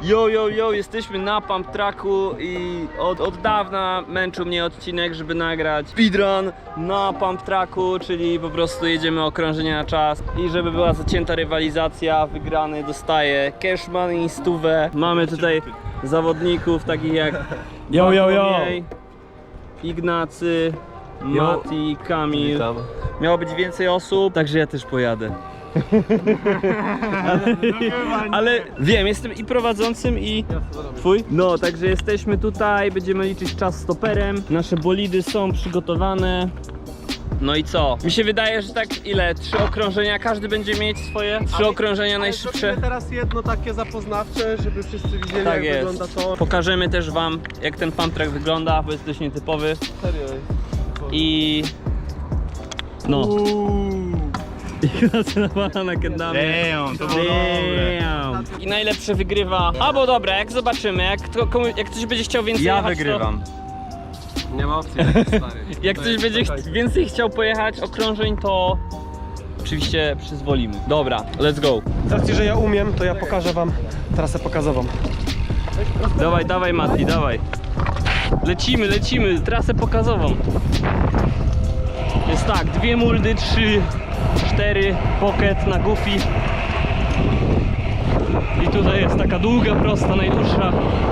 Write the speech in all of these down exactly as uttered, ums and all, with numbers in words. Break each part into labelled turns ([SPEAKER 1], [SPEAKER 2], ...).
[SPEAKER 1] Yo, yo, yo, jesteśmy na pump tracku i od, od dawna męczył mnie odcinek, żeby nagrać speedrun na pump tracku, czyli po prostu jedziemy okrążenia na czas i żeby była zacięta rywalizacja, wygrany dostaje cash money, stówę. Mamy tutaj zawodników takich jak
[SPEAKER 2] Yo, yo, yo.
[SPEAKER 1] Bartłomiej, Ignacy, Mati, Kamil.
[SPEAKER 2] Witam.
[SPEAKER 1] Miało być więcej osób, także ja też pojadę. ale, ale wiem, jestem i prowadzącym, i twój. No, także jesteśmy tutaj, będziemy liczyć czas stoperem. Nasze bolidy są przygotowane. No i co? Mi się wydaje, że tak ile? Trzy okrążenia, każdy będzie mieć swoje trzy ale, okrążenia ale najszybsze.
[SPEAKER 2] Teraz jedno takie zapoznawcze, żeby wszyscy widzieli,
[SPEAKER 1] tak
[SPEAKER 2] jak
[SPEAKER 1] jest.
[SPEAKER 2] wygląda to.
[SPEAKER 1] Pokażemy też wam, jak ten pump track wygląda, bo jest dość nietypowy.
[SPEAKER 2] Serio.
[SPEAKER 1] I... No. Ignacy nawala na kendamie.
[SPEAKER 3] Damn, to było dobre.
[SPEAKER 1] I najlepsze wygrywa. Albo dobra, jak zobaczymy, jak, kto, komu, jak ktoś będzie chciał więcej
[SPEAKER 3] Ja
[SPEAKER 1] jechać,
[SPEAKER 3] wygrywam.
[SPEAKER 2] Nie ma opcji, stary.
[SPEAKER 1] Jak ktoś będzie ch więcej chciał pojechać okrążeń, to oczywiście przyzwolimy. Dobra, let's go.
[SPEAKER 2] Z racji, że ja umiem, to ja pokażę wam trasę pokazową.
[SPEAKER 1] Dawaj, dawaj Mati, dawaj. Lecimy, lecimy, trasę pokazową. Jest tak, dwie muldy, trzy, cztery, pocket na goofy. I tutaj jest taka długa, prosta, najdłuższa.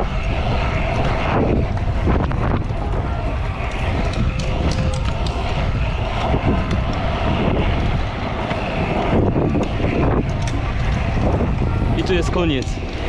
[SPEAKER 1] I tu jest koniec.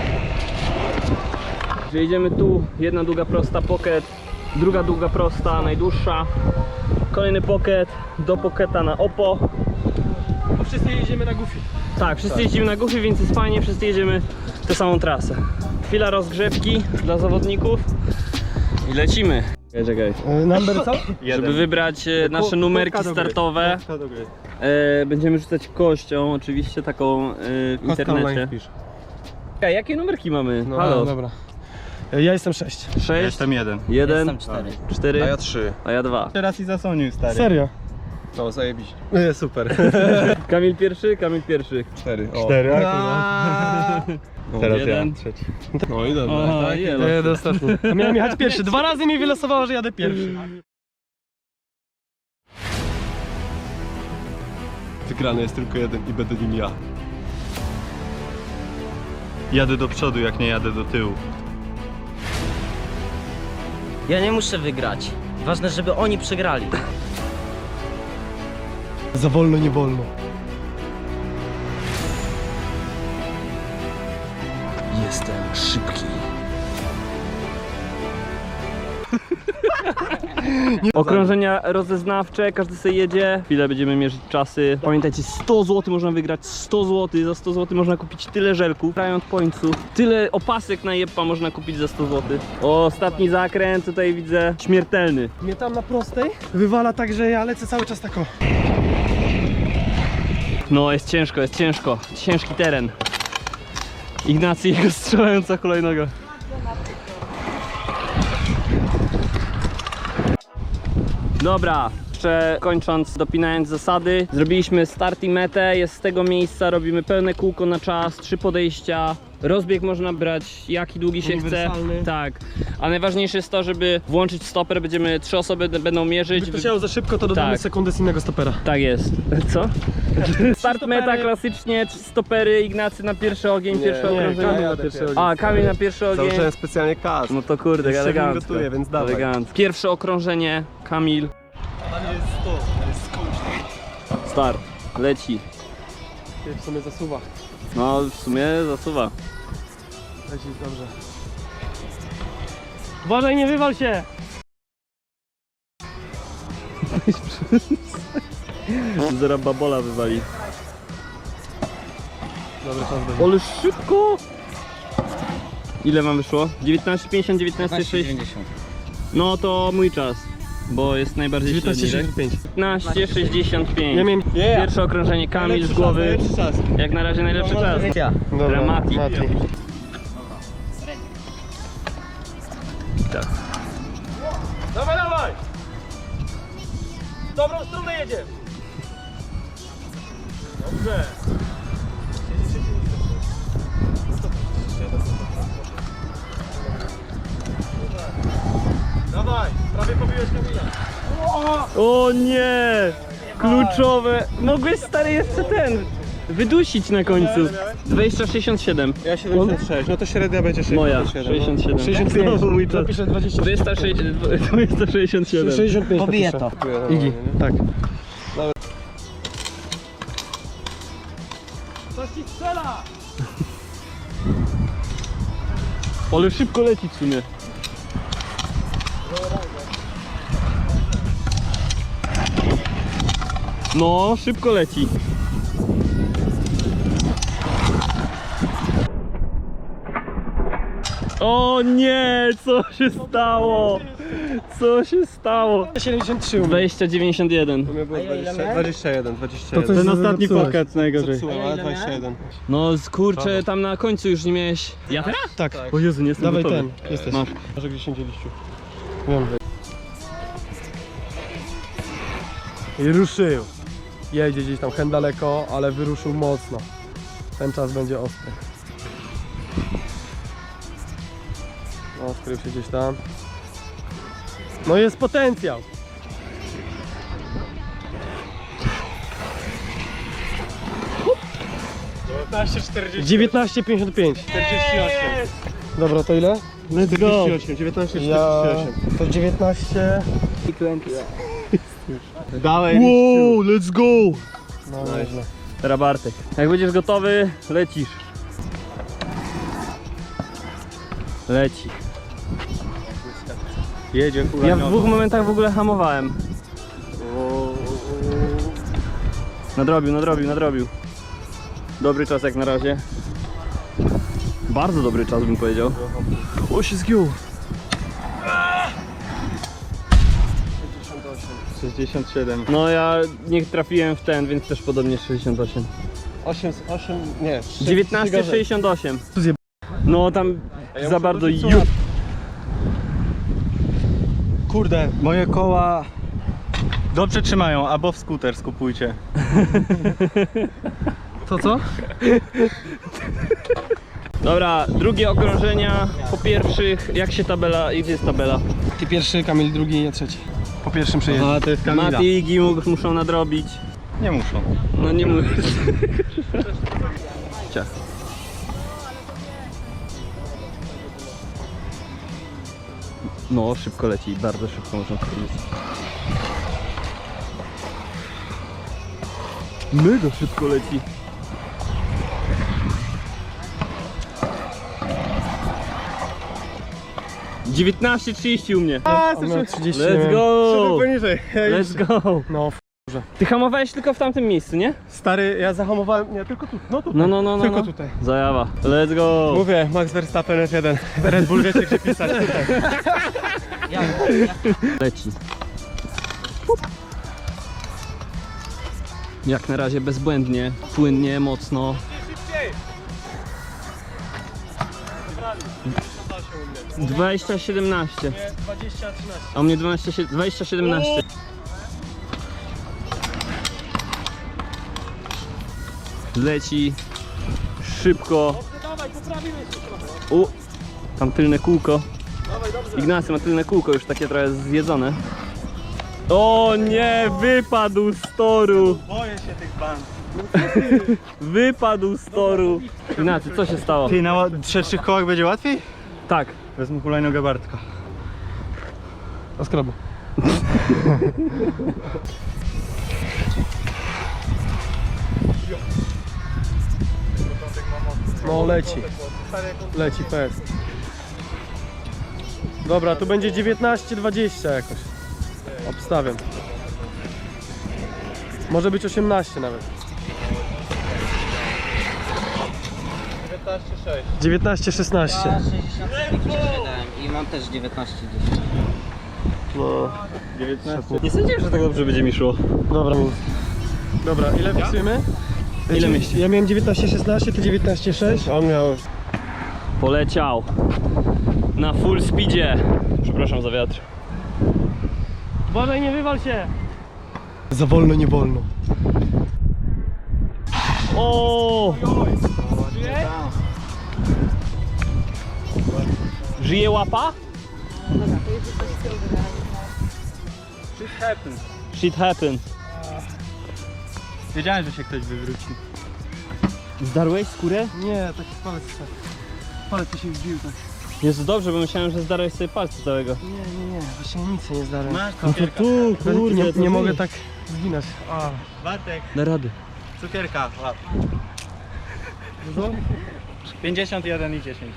[SPEAKER 1] Jedziemy tu, jedna długa prosta pocket, druga długa prosta, najdłuższa. Kolejny pocket, do pocketa na opo.
[SPEAKER 2] Bo wszyscy jedziemy na goofy.
[SPEAKER 1] Tak, wszyscy jedziemy na goofy, więc jest fajnie, wszyscy jedziemy tę samą trasę. Chwila rozgrzewki dla zawodników i lecimy. Czekaj, czekaj.
[SPEAKER 2] Number co?
[SPEAKER 1] Żeby wybrać e, nasze numerki startowe, e, będziemy rzucać kością, oczywiście taką e, w internecie. Czekaj, jakie numerki mamy?
[SPEAKER 2] No,
[SPEAKER 1] Halo.
[SPEAKER 2] dobra. Ja jestem sześć.
[SPEAKER 1] Sześć,
[SPEAKER 3] Jestem jeden.
[SPEAKER 1] jeden,
[SPEAKER 4] Jestem cztery.
[SPEAKER 1] cztery,
[SPEAKER 3] A ja trzy.
[SPEAKER 1] a ja dwa.
[SPEAKER 3] Teraz i zasłonił, stary.
[SPEAKER 2] Serio?
[SPEAKER 3] No, zajebiście. Nie, super.
[SPEAKER 1] Kamil pierwszy, Kamil pierwszy.
[SPEAKER 3] Cztery. O.
[SPEAKER 2] Cztery,
[SPEAKER 3] No,
[SPEAKER 1] Teraz jeden.
[SPEAKER 3] ja. Trzeci. No i dobra.
[SPEAKER 1] O,
[SPEAKER 3] tak?
[SPEAKER 1] jelo.
[SPEAKER 2] Nie, ostatni. Miałem jechać pierwszy. Dwa razy mi wylosowało, że jadę pierwszy.
[SPEAKER 3] Wygrany jest tylko jeden i będę nim ja. Jadę do przodu, jak nie jadę do tyłu.
[SPEAKER 4] Ja nie muszę wygrać. Ważne, żeby oni przegrali.
[SPEAKER 2] Za wolno, nie wolno.
[SPEAKER 1] Jestem szybki. Okrążenia rozeznawcze, każdy sobie jedzie. Chwilę będziemy mierzyć czasy. Pamiętajcie, sto złotych można wygrać, sto złotych. Za sto złotych można kupić tyle żelków. Riot Pointsów. Tyle opasek na jeppa można kupić za sto złotych. O, ostatni zakręt tutaj widzę śmiertelny.
[SPEAKER 2] Mnie tam na prostej wywala tak, że ja lecę cały czas tak o.
[SPEAKER 1] No, jest ciężko, jest ciężko. Ciężki teren. Ignacy i jego strzelająca hulajnoga. Dobra, jeszcze kończąc, dopinając zasady, zrobiliśmy start i metę, jest z tego miejsca, robimy pełne kółko na czas, trzy podejścia. Rozbieg można brać jaki długi się chce.
[SPEAKER 2] Uniwersalny.
[SPEAKER 1] Tak, a najważniejsze jest to, żeby włączyć stoper, będziemy, trzy osoby będą mierzyć.
[SPEAKER 2] Gdyby to się za szybko, to dodamy
[SPEAKER 1] Tak.
[SPEAKER 2] sekundę z innego stopera.
[SPEAKER 1] Tak jest. Co? Start
[SPEAKER 2] stopery.
[SPEAKER 1] meta klasycznie, trzy stopery, Ignacy na pierwszy ogień, pierwsze
[SPEAKER 2] nie,
[SPEAKER 1] okrążenie.
[SPEAKER 2] Kamil na pierwszy ogień.
[SPEAKER 1] A, Kamil na pierwszy ogień.
[SPEAKER 3] Założyłem specjalnie kask.
[SPEAKER 1] No to kurde,
[SPEAKER 3] Jeszcze
[SPEAKER 1] elegancko.
[SPEAKER 3] mi gotuje, więc dawaj.
[SPEAKER 1] Elegancko. Pierwsze okrążenie, Kamil.
[SPEAKER 3] jest sto, jest skąd.
[SPEAKER 1] Start, leci.
[SPEAKER 2] W sumie zasuwa.
[SPEAKER 1] No w sumie zasuwa.
[SPEAKER 2] Leci dobrze. Uważaj, nie wywal się!
[SPEAKER 1] Zaraz babola wywali.
[SPEAKER 2] Dobry czas będzie.
[SPEAKER 1] Ale szybko! Ile wam wyszło? dziewiętnaście pięćdziesiąt, dziewiętnaście sześćdziesiąt.
[SPEAKER 4] dziewięćdziesiąt.
[SPEAKER 1] No to mój czas, bo jest najbardziej
[SPEAKER 2] dziewiętnaście
[SPEAKER 1] średni, tak?
[SPEAKER 2] sześćdziesiąt pięć.
[SPEAKER 1] dziewiętnaście sześćdziesiąt pięć.
[SPEAKER 2] Ja miałem...
[SPEAKER 1] Pierwsze okrążenie, Kamil z głowy. Jak na razie najlepszy czas.
[SPEAKER 4] Ja.
[SPEAKER 2] Dobra,
[SPEAKER 1] Mati.
[SPEAKER 2] Mati.
[SPEAKER 1] Tak.
[SPEAKER 2] Dawaj, dawaj! W dobrą stronę jedziemy! Dobrze!
[SPEAKER 1] O nie! Kluczowe. Mogłeś stary jeszcze ten wydusić na końcu. dwadzieścia sześćdziesiąt siedem.
[SPEAKER 3] Ja siedemdziesiąt sześć, no to średnia będzie
[SPEAKER 1] Moja
[SPEAKER 3] sześćdziesiąt siedem.
[SPEAKER 1] sześćdziesiąt siedem.
[SPEAKER 2] sześćdziesiąt pięć.
[SPEAKER 1] Znowu mój czas.
[SPEAKER 2] Zapiszę dwadzieścia
[SPEAKER 1] dwieście sześćdziesiąt siedem.
[SPEAKER 2] sześćdziesiąt pięć.
[SPEAKER 4] Pobiję
[SPEAKER 2] napiszę.
[SPEAKER 4] to.
[SPEAKER 2] Igi, tak.
[SPEAKER 1] Ale szybko leci w sumie. No, szybko leci. O nie, co się stało? Co się stało?
[SPEAKER 2] siedemdziesiąt trzy.
[SPEAKER 1] dwadzieścia dziewięćdziesiąt jeden.
[SPEAKER 3] To mnie było dwadzieścia, dwadzieścia jeden, dwadzieścia
[SPEAKER 2] To
[SPEAKER 3] jeden.
[SPEAKER 2] coś
[SPEAKER 1] Ten ostatni
[SPEAKER 2] zepsułeś.
[SPEAKER 1] pakiet najgorzej.
[SPEAKER 3] Zepsułem, ale dwadzieścia jeden.
[SPEAKER 1] No z- kurczę, tam na końcu już nie miałeś. Ja teraz?
[SPEAKER 2] Tak.
[SPEAKER 1] O Jezu, nie jestem
[SPEAKER 2] Dawaj
[SPEAKER 1] gotowy.
[SPEAKER 2] ten, jesteś.
[SPEAKER 1] Masz.
[SPEAKER 2] Może gdzieś indziej liściu. Wiem. I ruszył. Jedzie gdzieś tam hen daleko, ale wyruszył mocno. Ten czas będzie ostry. No, skrył się gdzieś tam. No jest potencjał.
[SPEAKER 3] dziewiętnaście czterdzieści
[SPEAKER 2] dziewiętnaście pięćdziesiąt pięć.
[SPEAKER 3] czterdzieści osiem.
[SPEAKER 2] Dobra, to ile?
[SPEAKER 1] Let's go.
[SPEAKER 3] dziewiętnaście
[SPEAKER 2] Ja...
[SPEAKER 3] czterdzieści osiem.
[SPEAKER 2] To dziewiętnaście.
[SPEAKER 3] Dałeś.
[SPEAKER 1] Wow, let's go.
[SPEAKER 2] No nieźle.
[SPEAKER 1] Teraz Bartek. Jak będziesz gotowy, lecisz. Leci.
[SPEAKER 3] Jedzie
[SPEAKER 1] Ja w dwóch momentach w ogóle hamowałem. Nadrobił, nadrobił, nadrobił. Dobry czas jak na razie. Bardzo dobry czas bym powiedział. O, się zgiął.
[SPEAKER 3] sześćdziesiąt siedem.
[SPEAKER 1] No ja nie trafiłem w ten, więc też podobnie sześćdziesiąt osiem.
[SPEAKER 3] osiem, osiem, nie.
[SPEAKER 1] dziewiętnaście sześćdziesiąt osiem.
[SPEAKER 2] zjeb-
[SPEAKER 1] No tam
[SPEAKER 3] ja
[SPEAKER 1] za
[SPEAKER 3] muszę
[SPEAKER 1] bardzo
[SPEAKER 3] wrócić
[SPEAKER 1] ju...
[SPEAKER 3] co Kurde, moje koła dobrze trzymają, albo w skuter skupujcie.
[SPEAKER 2] To co?
[SPEAKER 1] Dobra, drugie okrążenia po pierwszych. Jak się tabela, gdzie jest tabela?
[SPEAKER 2] Ty pierwszy, Kamil drugi, ja trzeci. Po pierwszym przejeździe.
[SPEAKER 3] A to jest Kamila.
[SPEAKER 1] Mati i Igi mu- muszą nadrobić.
[SPEAKER 3] Nie muszą.
[SPEAKER 1] No nie mówię. Cia. No, szybko leci, bardzo szybko można powiedzieć. Mega szybko leci. dziewiętnaście trzydzieści u mnie.
[SPEAKER 2] On miał trzydzieści.
[SPEAKER 1] Let's go!
[SPEAKER 3] Poniżej.
[SPEAKER 1] Let's go!
[SPEAKER 2] No, f-
[SPEAKER 1] Ty hamowałeś tylko w tamtym miejscu, nie?
[SPEAKER 3] Stary, ja zahamowałem, nie, tylko tu, no tutaj.
[SPEAKER 1] No, no, no, no.
[SPEAKER 3] Tylko
[SPEAKER 1] no.
[SPEAKER 3] tutaj.
[SPEAKER 1] Zajawa. Let's go!
[SPEAKER 3] Mówię, Max Verstappen F jeden. Red Bull wiecie gdzie pisać tutaj.
[SPEAKER 1] Leci. Jak na razie bezbłędnie, płynnie, mocno. dwadzieścia siedemnaście.
[SPEAKER 2] dwadzieścia trzynaście.
[SPEAKER 1] A u mnie dwanaście, dwadzieścia siedemnaście. Leci szybko. U, tam tylne kółko. Ignacy ma tylne kółko, już takie trochę zjedzone. O nie, wypadł z toru.
[SPEAKER 3] Boję się tych band.
[SPEAKER 1] Wypadł z toru. Ignacy, co się stało?
[SPEAKER 3] Ty, na trzech kołach będzie łatwiej?
[SPEAKER 1] Tak.
[SPEAKER 3] Wezmę hulajnogę Bartka.
[SPEAKER 2] A skroby. No leci. Leci fest. Dobra, tu będzie dziewiętnaście dwadzieścia jakoś. Obstawiam. Może być osiemnaście nawet.
[SPEAKER 3] dziewiętnaście sześć.
[SPEAKER 2] dziewiętnaście szesnaście.
[SPEAKER 4] Ja sześćdziesiąt siedem i mam też dziewiętnaście dziesięć.
[SPEAKER 2] No.
[SPEAKER 3] dziewiętnaście.
[SPEAKER 1] Nie sądziłem, że tak dobrze będzie mi szło.
[SPEAKER 2] Dobra. Dobra, ile wpisujemy?
[SPEAKER 1] Ile mieści?
[SPEAKER 2] Ja miałem dziewiętnaście szesnaście, ty dziewiętnaście sześć.
[SPEAKER 3] On miał...
[SPEAKER 1] Poleciał. Na full speedzie. Przepraszam za wiatr. Uważaj, nie wywal się.
[SPEAKER 2] Za wolno, nie wolno.
[SPEAKER 1] O! Żyje łapa?
[SPEAKER 3] Shit happens.
[SPEAKER 1] Shit happen.
[SPEAKER 3] Wiedziałem, że się ktoś wywróci.
[SPEAKER 1] Zdarłeś skórę?
[SPEAKER 2] Nie, taki palec tak. Palec mi się wbił tak.
[SPEAKER 1] Jest dobrze, bo myślałem, że zdarłeś sobie palce całego.
[SPEAKER 2] Nie, nie, nie, właśnie nic się nie zdarza.
[SPEAKER 3] Masz
[SPEAKER 1] No to
[SPEAKER 3] cukierka.
[SPEAKER 1] tu, kurde,
[SPEAKER 2] nie
[SPEAKER 1] to
[SPEAKER 2] nie
[SPEAKER 1] ty.
[SPEAKER 2] mogę tak zginać. A.
[SPEAKER 3] Bartek,
[SPEAKER 1] Da rady.
[SPEAKER 3] cukierka. Łap. pięćdziesiąt jeden i dziesięć.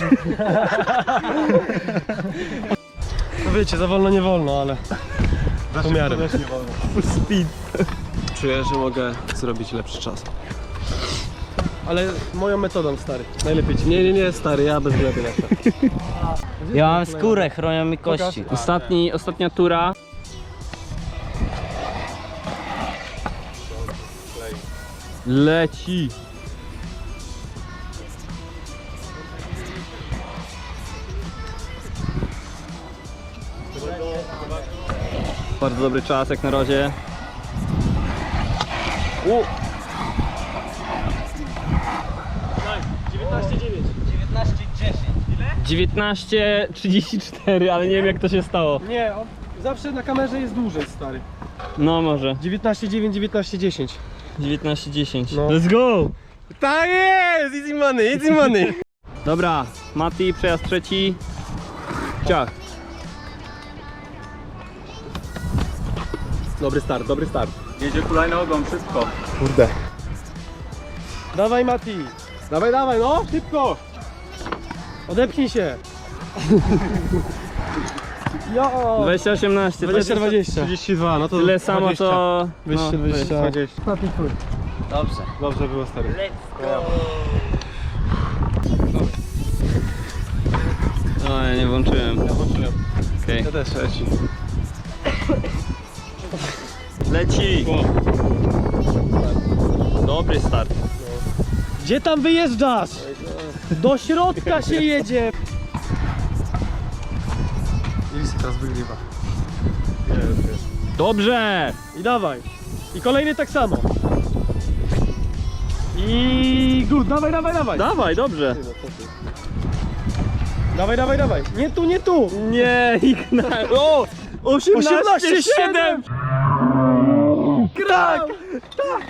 [SPEAKER 2] No wiecie, za wolno nie wolno, ale pomiarem.
[SPEAKER 3] Też nie wolno.
[SPEAKER 1] Full speed.
[SPEAKER 2] Czuję, że mogę zrobić lepszy czas. Ale moją metodą, stary. Najlepiej ci. Nie, nie, nie, stary, ja bez gleby lecę.
[SPEAKER 4] Ja mam skórę, chronią mi kości.
[SPEAKER 1] Ostatni, ostatnia tura. Leci. Bardzo dobry czas jak na razie. U.
[SPEAKER 2] dziewiętnaście dziewięć.
[SPEAKER 4] dziewiętnaście dziesięć.
[SPEAKER 1] dziewiętnaście trzydzieści cztery, ale nie wiem jak to się stało.
[SPEAKER 2] Nie, on zawsze na kamerze jest dłużej, stary.
[SPEAKER 1] No może.
[SPEAKER 2] dziewiętnaście dziewięć, dziewiętnaście dziesięć.
[SPEAKER 1] dziewiętnaście dziesięć.
[SPEAKER 2] No.
[SPEAKER 1] Let's go!
[SPEAKER 2] Tak jest! Easy money, easy money!
[SPEAKER 1] Dobra, Mati, przejazd trzeci. Ciach.
[SPEAKER 2] Dobry start, dobry start.
[SPEAKER 3] Jedzie hulajnogą, szybko.
[SPEAKER 2] Kurde. Dawaj, Mati. Dawaj, dawaj, no, szybko. Odepchnij się. Jo.
[SPEAKER 1] dwadzieścia osiemnaście.
[SPEAKER 2] dwadzieścia dwadzieścia.
[SPEAKER 3] trzydzieści dwa, no to
[SPEAKER 1] Tyle samo
[SPEAKER 3] dwadzieścia.
[SPEAKER 1] to...
[SPEAKER 2] dwadzieścia
[SPEAKER 1] no,
[SPEAKER 2] dwadzieścia.
[SPEAKER 3] dwadzieścia.
[SPEAKER 2] Mati, twój.
[SPEAKER 4] Dobrze.
[SPEAKER 3] Dobrze było, stary.
[SPEAKER 4] Let's go.
[SPEAKER 1] No, ja nie włączyłem.
[SPEAKER 2] Ja włączyłem.
[SPEAKER 1] Okej.
[SPEAKER 2] Ja też leci.
[SPEAKER 1] Leci! Dobry start.
[SPEAKER 2] Gdzie tam wyjeżdżasz? Do środka się jedzie. Ilsi teraz wygrywa.
[SPEAKER 1] Dobrze!
[SPEAKER 2] I dawaj. I kolejny tak samo. I good, dawaj, dawaj, dawaj.
[SPEAKER 1] Dawaj, dobrze.
[SPEAKER 2] Dawaj, dawaj, dawaj. Nie tu, nie tu.
[SPEAKER 1] Nie, Igna. O! osiemnaście siedem!
[SPEAKER 2] Tak! Tak!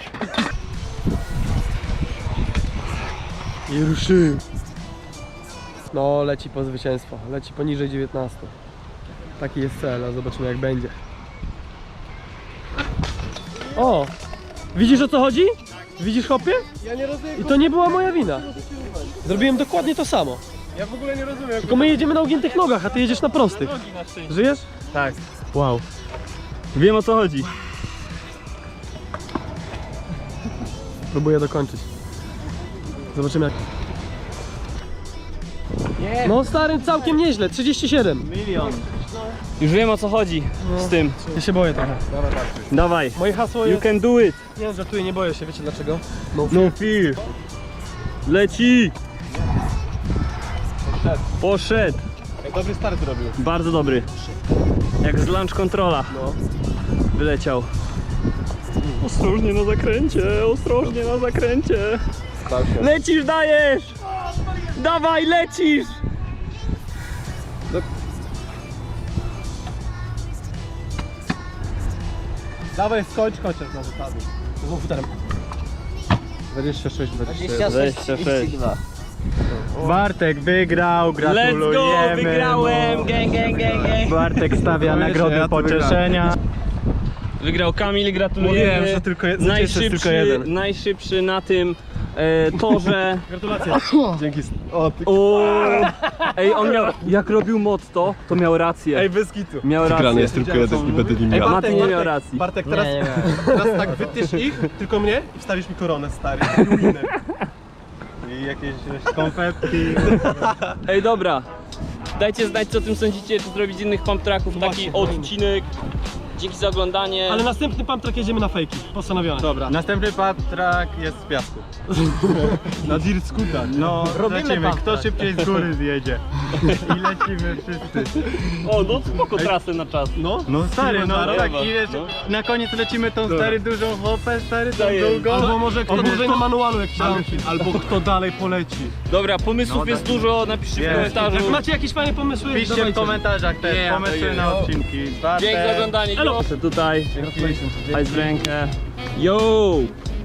[SPEAKER 2] I ruszył. No, leci po zwycięstwo. Leci poniżej dziewiętnastu. Taki jest cel, a zobaczymy jak będzie. O! Widzisz o co chodzi? Widzisz, hopie? Ja nie rozumiem. I to nie była moja wina. Zrobiłem dokładnie to samo. Ja w ogóle nie rozumiem. Tylko my jedziemy na ugiętych nogach, a ty jedziesz na prostych. Żyjesz?
[SPEAKER 1] Tak. Wow. Wiem o co chodzi.
[SPEAKER 2] Próbuję dokończyć. Zobaczymy jak... No stary, całkiem nieźle, trzydzieści siedem.
[SPEAKER 3] Milion.
[SPEAKER 1] Już wiem o co chodzi z tym.
[SPEAKER 2] Ja się boję trochę.
[SPEAKER 1] Dawaj.
[SPEAKER 2] Moje hasło
[SPEAKER 1] You
[SPEAKER 2] jest...
[SPEAKER 1] can do it.
[SPEAKER 2] Nie, żartuję, nie boję się, wiecie dlaczego?
[SPEAKER 1] No fear. Leci. Poszedł.
[SPEAKER 2] Dobry start zrobił.
[SPEAKER 1] Bardzo dobry. Jak z lunch controla.
[SPEAKER 2] No.
[SPEAKER 1] Wyleciał. Ostrożnie na zakręcie, ostrożnie na zakręcie. Lecisz, dajesz! Dawaj, lecisz!
[SPEAKER 2] Dawaj, skończ chociaż na wypadku. Z komputerem. dwadzieścia sześć, dwadzieścia jeden.
[SPEAKER 4] dwadzieścia sześć
[SPEAKER 1] dwadzieścia sześć.
[SPEAKER 4] trzydzieści dwa.
[SPEAKER 3] Bartek wygrał,
[SPEAKER 1] Let's
[SPEAKER 3] gratulujemy.
[SPEAKER 1] go, wygrałem! Gang, gang, gang, gang.
[SPEAKER 3] Bartek stawia
[SPEAKER 2] Czuję się,
[SPEAKER 3] nagrody
[SPEAKER 2] ja to
[SPEAKER 3] pocieszenia.
[SPEAKER 1] Wygrał Kamil, gratulujemy.
[SPEAKER 2] Mówiłem, że tylko je- zwycięzca jest
[SPEAKER 1] najszybszy,
[SPEAKER 2] tylko jeden.
[SPEAKER 1] najszybszy na tym e, torze.
[SPEAKER 2] Gratulacje. Dzięki. O, ty...
[SPEAKER 1] O, ej, on miał, jak robił motto, to miał rację.
[SPEAKER 2] Ej, bez kitu.
[SPEAKER 1] Miał rację.
[SPEAKER 2] jest tylko jeden i będę nim
[SPEAKER 1] Ej, Mati nie miał racji.
[SPEAKER 2] Bartek,
[SPEAKER 4] Nie,
[SPEAKER 2] teraz,
[SPEAKER 4] nie miałem.
[SPEAKER 2] teraz tak wytysz ich, tylko mnie i wstawisz mi koronę, stary.
[SPEAKER 3] I jakieś konfetti.
[SPEAKER 1] Ej, dobra. Dajcie znać, co o tym sądzicie, czy zrobić z innych pump tracków taki
[SPEAKER 2] Właśnie, kolejny.
[SPEAKER 1] odcinek. Dzięki za oglądanie.
[SPEAKER 2] Ale następny pump track jedziemy na fejki. Postanowione.
[SPEAKER 3] Dobra. Następny patrak jest z piasku.
[SPEAKER 2] Na dirt scooter.
[SPEAKER 3] No,
[SPEAKER 4] Robimy
[SPEAKER 3] zobaczymy, kto
[SPEAKER 4] patrak.
[SPEAKER 3] szybciej z góry zjedzie. I lecimy wszyscy.
[SPEAKER 1] O, no spoko trasy na czas.
[SPEAKER 2] No.
[SPEAKER 3] No stary, no
[SPEAKER 1] Dobra,
[SPEAKER 3] tak,
[SPEAKER 1] dobra.
[SPEAKER 3] i wiesz,
[SPEAKER 1] No.
[SPEAKER 3] na koniec lecimy tą stary dużą hopę, stary tą
[SPEAKER 1] Daję.
[SPEAKER 3] długą.
[SPEAKER 2] Albo może kto
[SPEAKER 3] Albo
[SPEAKER 2] dłużej
[SPEAKER 3] kto-
[SPEAKER 2] na manualu jak
[SPEAKER 3] Albo,
[SPEAKER 2] chciałem.
[SPEAKER 3] albo kto dalej poleci.
[SPEAKER 1] Dobra, pomysłów
[SPEAKER 3] No,
[SPEAKER 1] jest
[SPEAKER 3] tak.
[SPEAKER 1] dużo, napiszcie w
[SPEAKER 3] Jest.
[SPEAKER 1] komentarzu.
[SPEAKER 2] Jak macie jakieś fajne pomysły,
[SPEAKER 3] Piszcie w
[SPEAKER 2] dawajcie.
[SPEAKER 3] komentarzach te
[SPEAKER 1] Nie,
[SPEAKER 3] pomysły
[SPEAKER 1] to
[SPEAKER 3] na
[SPEAKER 1] jest.
[SPEAKER 3] odcinki.
[SPEAKER 1] Dzięki za oglądanie.
[SPEAKER 2] elo!
[SPEAKER 1] Tutaj, hajs w rękę. Yo!